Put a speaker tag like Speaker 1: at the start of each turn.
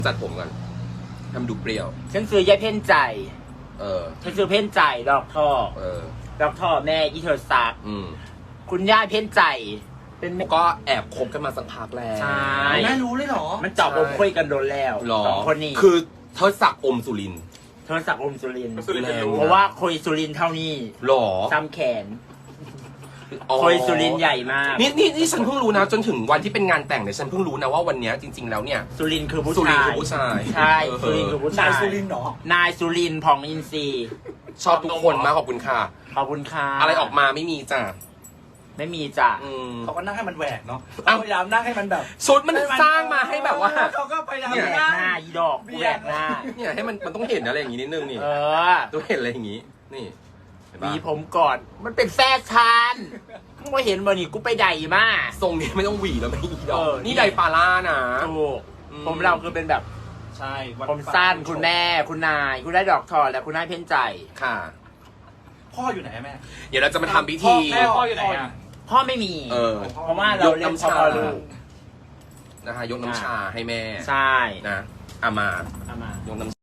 Speaker 1: จัดผมก่อนทำดูเปรี้ยว
Speaker 2: ฉันซื้อยายเพ่นใจฉันซื้อเพ่นใจดอกท่อดอกท่อแม่อีเธอซักคุณย่าเพ่นใจเป็น
Speaker 1: ก็แอบคบกันมาสักพักแล้ว
Speaker 2: ใช่
Speaker 3: แม่รู้เลยเหรอ
Speaker 2: มันจอบอมคุยกันโดนแล้วสองคนนี้
Speaker 1: คือเธอสักอมสุริน
Speaker 2: เธอสักอมสุรินเพราะว่าคุยสุรินเท่านี้
Speaker 1: หรอ
Speaker 2: ซ้ำแขนคุยสุรินใหญ่มาก
Speaker 1: นี่ฉันเพิ่งรู้นะจนถึงวันที่เป็นงานแต่งเนี่ยฉันเพิ่งรู้นะว่าวันนี้จริงๆแล้วเนี่ย
Speaker 2: สุรินคือผู้
Speaker 1: ชาย
Speaker 2: ใช่สุรินคือผู้ชาย
Speaker 3: นายสุรินเหร
Speaker 2: อนายสุรินผ่องอินทรี
Speaker 1: ชอบทุกคนมากขอบคุณค่ะ
Speaker 2: ขอบคุณค่ะ
Speaker 1: อะไรออกมาไม่มีจ้ะ
Speaker 2: ไม่มีจ้ะ
Speaker 3: เขาก็นั่งให้มันแหวกเนาะพยายามนั่งให้มันแบบ
Speaker 1: ชุดมันสร้างมาให้แบบว่า
Speaker 3: เขาก็พยายาม
Speaker 2: แหวกหน้าอีดอกแหวกหน้า
Speaker 1: เนี่ยให้มันต้องเห็นอะไรอย่างนี้นิดนึงนี่ต้องเห็นอะไรอย่างนี้นี่
Speaker 2: มีผมก่อนมันเป็นแฟชั่นมึงไม่เห็นบ่นี่กูไปใดมา
Speaker 1: ทรงนี้ไม่ต้องหวีแล้วไม่อีดอกนี่ไดปาร่านะ
Speaker 2: ถูกผมเราคือเป็นแบบ
Speaker 3: ใช่
Speaker 2: ผมสั้นคุณแม่คุณนายคุณได้ดอกทอและคุณนายเพ่นใจ
Speaker 1: ค่ะ
Speaker 3: พ่ออยู่ไหนแม่
Speaker 1: เดี๋ยวเราจะมาทำพิธี
Speaker 3: พ่ออยู่ไหนอ่ะ
Speaker 2: พ่อไม่มีเพราะว่าเราเล่นพ่อลูก
Speaker 1: นะคะยกน้ำชาให้แม่
Speaker 2: ใช่
Speaker 1: นะมายกน้ำ